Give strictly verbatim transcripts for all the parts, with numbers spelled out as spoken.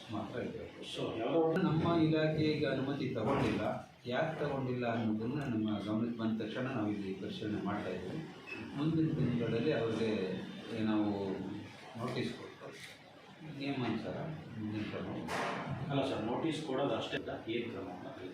ಮಾತ್ರ ಇರಬೇಕು. ಸೊ ಯಾವುದೋ ನಮ್ಮ ಇಲಾಖೆ ಈಗ ಅನುಮತಿ ತಗೊಂಡಿಲ್ಲ, ಯಾಕೆ ತಗೊಂಡಿಲ್ಲ ಅನ್ನೋದನ್ನು ನಮ್ಮ ಗಮನಕ್ಕೆ ಬಂದ ತಕ್ಷಣ ನಾವು ಇಲ್ಲಿ ಪರಿಶೀಲನೆ ಮಾಡ್ತಾ ಇದ್ದೀವಿ. ಮುಂದಿನ ದಿನಗಳಲ್ಲಿ ಅವ್ರಿಗೆ ನಾವು ನೋಟಿಸ್ ಕೊಟ್ಟು ನಿಯಮಾನುಸಾರ ಮುಂದಿನ ಕ್ರಮ. ಅಲ್ಲ ಸರ್, ನೋಟಿಸ್ ಕೊಡೋದು ಅಷ್ಟೇ, ಏನು ಕ್ರಮ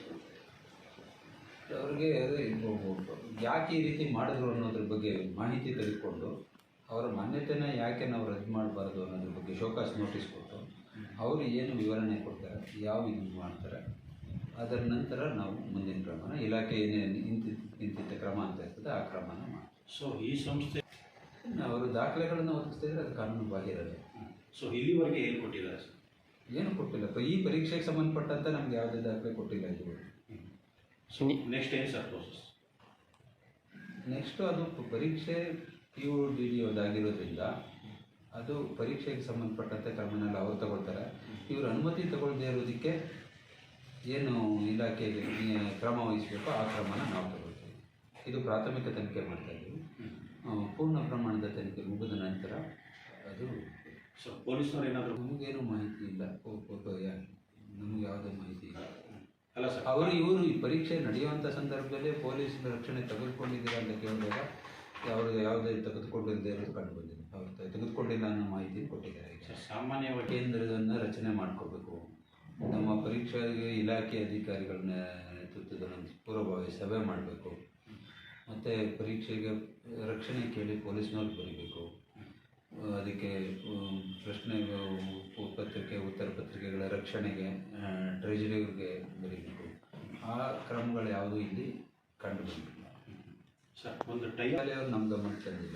ಅವ್ರಿಗೆ ಅದೇ ಯಾಕೆ ಈ ರೀತಿ ಮಾಡಿದ್ರು ಅನ್ನೋದ್ರ ಬಗ್ಗೆ ಮಾಹಿತಿ ತೆಗೆದುಕೊಂಡು ಅವರ ಮಾನ್ಯತೆನ ಯಾಕೆ ನಾವು ರದ್ದು ಮಾಡಬಾರ್ದು ಅನ್ನೋದ್ರ ಬಗ್ಗೆ ಶೋಕಾಸ್ ನೋಟಿಸ್ ಕೊಟ್ಟು ಅವರು ಏನು ವಿವರಣೆ ಕೊಡ್ತಾರೆ, ಯಾವ ಇದು ಮಾಡ್ತಾರೆ, ಅದರ ನಂತರ ನಾವು ಮುಂದಿನ ಕ್ರಮನ ಇಲಾಖೆ ಏನೇನು ಇಂತಿ ಇಂತಿಂಥ ಕ್ರಮ ಅಂತ ಇರ್ತದೆ ಆ ಕ್ರಮನ ಮಾಡಿ. ಸೊ ಈ ಸಂಸ್ಥೆ ಅವರು ದಾಖಲೆಗಳನ್ನು ಒದಗಿಸ್ತಿದ್ರೆ ಅದು ಕಾನೂನು ಬಾಹಿರದೆ. ಸೊ ಇಲ್ಲಿವರೆಗೆ ಏನು ಕೊಟ್ಟಿದ್ದಾರೆ ಸರ್? ಏನು ಕೊಟ್ಟಿಲ್ಲ. ಈ ಪರೀಕ್ಷೆಗೆ ಸಂಬಂಧಪಟ್ಟಂತೆ ನಮ್ಗೆ ಯಾವುದೇ ದಾಖಲೆ ಕೊಟ್ಟಿಲ್ಲ ಇದು. ನೆಕ್ಸ್ಟ್ ಏನು ಸರ್ ಪ್ರೋಸೆಸ್? ನೆಕ್ಸ್ಟು ಅದು ಪರೀಕ್ಷೆ ಪಿ ಯು ಡಿ ಡಿ ಅದಾಗಿರೋದ್ರಿಂದ ಅದು ಪರೀಕ್ಷೆಗೆ ಸಂಬಂಧಪಟ್ಟಂತೆ ಕ್ರಮನೆಲ್ಲ ಅವ್ರು ತಗೊಳ್ತಾರೆ. ಇವರು ಅನುಮತಿ ತಗೊಳ್ಳದೇ ಇರೋದಕ್ಕೆ ಏನು ಇಲಾಖೆಗೆ ಕ್ರಮ ವಹಿಸಬೇಕೋ ಆ ಕ್ರಮನ ನಾವು ತಗೊಳ್ತೀವಿ. ಇದು ಪ್ರಾಥಮಿಕ ತನಿಖೆ ಮಾಡ್ತಾಯಿದ್ದೀವಿ. ಪೂರ್ಣ ಪ್ರಮಾಣದ ತನಿಖೆ ಮುಗಿದ ನಂತರ ಅದು ಸೊ ಪೊಲೀಸ್ನವ್ರು ಏನಾದರೂ ನಮಗೇನು ಮಾಹಿತಿ ಇಲ್ಲ, ನಮಗೆ ಯಾವುದೇ ಮಾಹಿತಿ ಇಲ್ಲ. ಅಲ್ಲ ಸರ್, ಅವರು ಇವರು ಈ ಪರೀಕ್ಷೆ ನಡೆಯುವಂಥ ಸಂದರ್ಭದಲ್ಲಿ ಪೊಲೀಸ್ ರಕ್ಷಣೆ ತೆಗೆದುಕೊಂಡಿದ್ದೀರಾ ಅಂತ ಕೇಳಿದಾಗ ಅವರು ಯಾವುದೇ ತೆಗೆದುಕೊಂಡಿಲ್ಲದೆ ಇರೋದು ಕಂಡು ಬಂದಿದೆ. ಅವ್ರು ತೆಗೆದುಕೊಂಡಿಲ್ಲ ಅನ್ನೋ ಮಾಹಿತಿ ಕೊಟ್ಟಿದ್ದಾರೆ. ಈಗ ಸಾಮಾನ್ಯವಾಗಿ ಕೇಂದ್ರದನ್ನು ರಚನೆ ಮಾಡ್ಕೋಬೇಕು, ನಮ್ಮ ಪರೀಕ್ಷೆಗೆ ಇಲಾಖೆ ಅಧಿಕಾರಿಗಳ ನೇತೃತ್ವದಲ್ಲಿ ಒಂದು ಪೂರ್ವಭಾವಿ ಸಭೆ ಮಾಡಬೇಕು, ಮತ್ತು ಪರೀಕ್ಷೆಗೆ ರಕ್ಷಣೆ ಕೇಳಿ ಪೊಲೀಸ್ನವ್ರು ಬರೀಬೇಕು, ಅದಕ್ಕೆ ಪ್ರಶ್ನೆ ಪತ್ರಿಕೆ ಉತ್ತರ ಪತ್ರಿಕೆಗಳ ರಕ್ಷಣೆಗೆ ಟ್ರೆಜರಿಯವ್ರಿಗೆ ಬರೀಬೇಕು. ಆ ಕ್ರಮಗಳು ಯಾವುದೂ ಇಲ್ಲಿ ಕಂಡು ಬಂದಿಲ್ಲ ಸರ್. ಒಂದು ಟೈಮ್ ಅವರು ನಮ್ಮ ಗಮನಕ್ಕೆ ತಂದಿಲ್ಲ.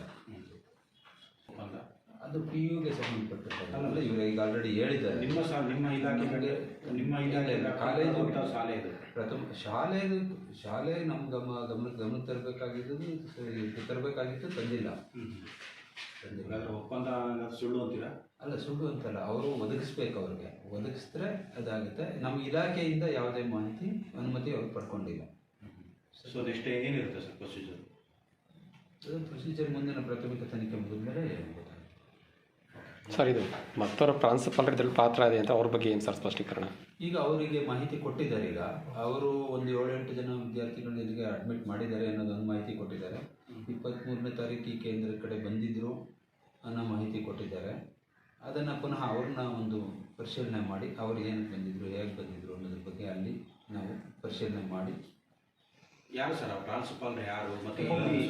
ಅದು ಪಿ ಯುಗೆ ಸಂಬಂಧಪಟ್ಟಲ್ಲ. ಇವರು ಈಗ ಆಲ್ರೆಡಿ ಹೇಳಿದ್ದಾರೆ. ನಿಮ್ಮ ಸಹ ನಿಮ್ಮ ಇಲಾಖೆಗೆ ನಿಮ್ಮ ಇಲಾಖೆ ಕಾಲೇಜು ಶಾಲೆ ಇದು ಪ್ರಥಮ ಶಾಲೆದು ಶಾಲೆ ನಮ್ಮ ಗಮ ಗಮನಕ್ಕೆ ಗಮನ ತರಬೇಕಾಗಿದ್ದು ತರಬೇಕಾಗಿತ್ತು ತಂದಿಲ್ಲ. ತಂದಿಲ್ಲ. ಅದರ ಒಪ್ಪಂದ ಸುಳ್ಳು ಅಂತೀರಾ? ಅಲ್ಲ, ಸುಳ್ಳು ಅಂತಲ್ಲ, ಅವರು ಒದಗಿಸ್ಬೇಕು. ಅವ್ರಿಗೆ ಒದಗಿಸಿದ್ರೆ ಅದಾಗುತ್ತೆ. ನಮ್ಮ ಇಲಾಖೆಯಿಂದ ಯಾವುದೇ ಮಾಹಿತಿ ಅನುಮತಿ ಅವ್ರು ಪಡ್ಕೊಂಡಿಲ್ಲ. ಸೊ ನೆಕ್ಸ್ಟ್ ಏನಿರುತ್ತೆ ಸರ್ ಪ್ರೊಸೀಜರ್? ಅದು ಪ್ರೊಸೀಜರ್ ಮುಂದಿನ ಪ್ರಾಥಮಿಕ ತನಿಖೆ ಮುಗಿದ ಮೇಲೆ ಸರ್. ಇದು ಮತ್ತವರ ಪ್ರಾಂಶುಪಾಲರ ಇದರಲ್ಲಿ ಪಾತ್ರ ಇದೆ ಅಂತ ಅವ್ರ ಬಗ್ಗೆ ಏನು ಸರ್ ಸ್ಪಷ್ಟೀಕರಣ? ಈಗ ಅವರಿಗೆ ಮಾಹಿತಿ ಕೊಟ್ಟಿದ್ದಾರೆ. ಈಗ ಅವರು ಒಂದು ಏಳೆಂಟು ಜನ ವಿದ್ಯಾರ್ಥಿಗಳು ಇಲ್ಲಿಗೆ ಅಡ್ಮಿಟ್ ಮಾಡಿದ್ದಾರೆ ಅನ್ನೋದೊಂದು ಮಾಹಿತಿ ಕೊಟ್ಟಿದ್ದಾರೆ. ಇಪ್ಪತ್ತ್ಮೂರನೇ ತಾರೀಕು ಈ ಕೇಂದ್ರದ ಕಡೆ ಬಂದಿದ್ದರು ಅನ್ನೋ ಮಾಹಿತಿ ಕೊಟ್ಟಿದ್ದಾರೆ. ಅದನ್ನು ಪುನಃ ಅವ್ರನ್ನ ಒಂದು ಪರಿಶೀಲನೆ ಮಾಡಿ ಅವ್ರು ಏನಕ್ಕೆ ಬಂದಿದ್ದರು, ಹೇಗೆ ಬಂದಿದ್ದರು ಅನ್ನೋದ್ರ ಬಗ್ಗೆ ಅಲ್ಲಿ ನಾವು ಪರಿಶೀಲನೆ ಮಾಡಿ. ಯಾರು ಸರ್ ಪ್ರಾಂಶುಪಾಲರು ಯಾರು? ಮತ್ತು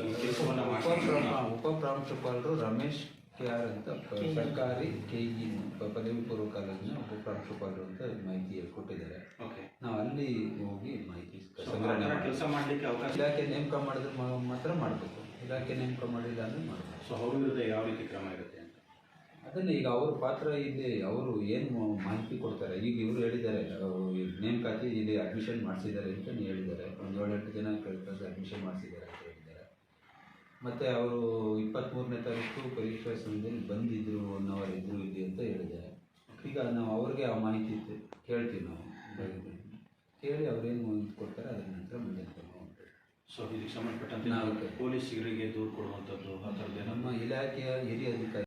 ಉಪ ಪ್ರಾಂಶುಪಾಲರು ರಮೇಶ್ ಕೆ ಆರ್ ಅಂತ ಸರ್ಕಾರಿ ಕೆ ಇ ಪದವಿ ಪೂರ್ವ ಕಾಲೇಜಿನ ಉಪ ಪ್ರಾಂಶುಪಾಲರು ಅಂತ ಮಾಹಿತಿ ಕೊಟ್ಟಿದ್ದಾರೆ. ಓಕೆ, ನಾವು ಅಲ್ಲಿ ಹೋಗಿ ಮಾಹಿತಿ ಸಂಗ್ರಹಣೆ ಕೆಲಸ ಮಾಡಲಿಕ್ಕೆ ಅವಕಾಶ. ಇಲಾಖೆ ನೇಮಕ ಮಾಡಿದ್ರೆ ಮಾತ್ರ ಮಾಡಬೇಕು, ಇಲಾಖೆ ನೇಮಕ ಮಾಡಿಲ್ಲ ಅಂದರೆ ಮಾಡಬೇಕು. ಸೊ ಅವ್ರ ವಿರುದ್ಧ ಯಾವ ರೀತಿ ಕ್ರಮ ಇರುತ್ತೆ ಅಂತ ಅದನ್ನು ಈಗ ಅವ್ರ ಪಾತ್ರ ಇಲ್ಲಿ ಅವರು ಏನು ಮಾಹಿತಿ ಕೊಡ್ತಾರೆ. ಈಗ ಇವರು ಹೇಳಿದ್ದಾರೆ ನೇಮಕಾತಿ ಇಲ್ಲಿ ಅಡ್ಮಿಷನ್ ಮಾಡಿಸಿದ್ದಾರೆ ಅಂತ ಹೇಳಿದ್ದಾರೆ. ಒಂದು ಏಳೆಂಟು ಜನ ಕಳೆದ ಅಡ್ಮಿಷನ್ ಮಾಡಿಸಿದ್ದಾರೆ ಅಂತ ಹೇಳಿದ್ದಾರೆ. ಮತ್ತು ಅವರು ಇಪ್ಪತ್ತ್ಮೂರನೇ ತಾರೀಕು ಪರೀಕ್ಷಾ ಸಮಯದಲ್ಲಿ ಬಂದಿದ್ದರು ಅನ್ನೋರು ಇದ್ದರು ಇಲ್ಲಿ ಅಂತ ಹೇಳಿದ್ದಾರೆ. ಈಗ ನಾವು ಅವ್ರಿಗೆ ಆ ಮಾಹಿತಿ ಕೇಳ್ತೀವಿ. ನಾವು ಕೇಳಿ ಅವ್ರೇನು ಮಾಹಿತಿ ಕೊಡ್ತಾರೆ ಅದರ ನಂತರ ಮುಂದೆ ಮಾಡ್ತೀವಿ. ಸೊ ಇದಕ್ಕೆ ಸಂಬಂಧಪಟ್ಟಂತೆ ನಾವು ಪೊಲೀಸರಿಗೆ ದೂರು ಕೊಡುವಂಥದ್ದು ಆ ಥರದ್ದು ನಮ್ಮ ಇಲಾಖೆಯ ಹಿರಿಯ ಅಧಿಕಾರಿ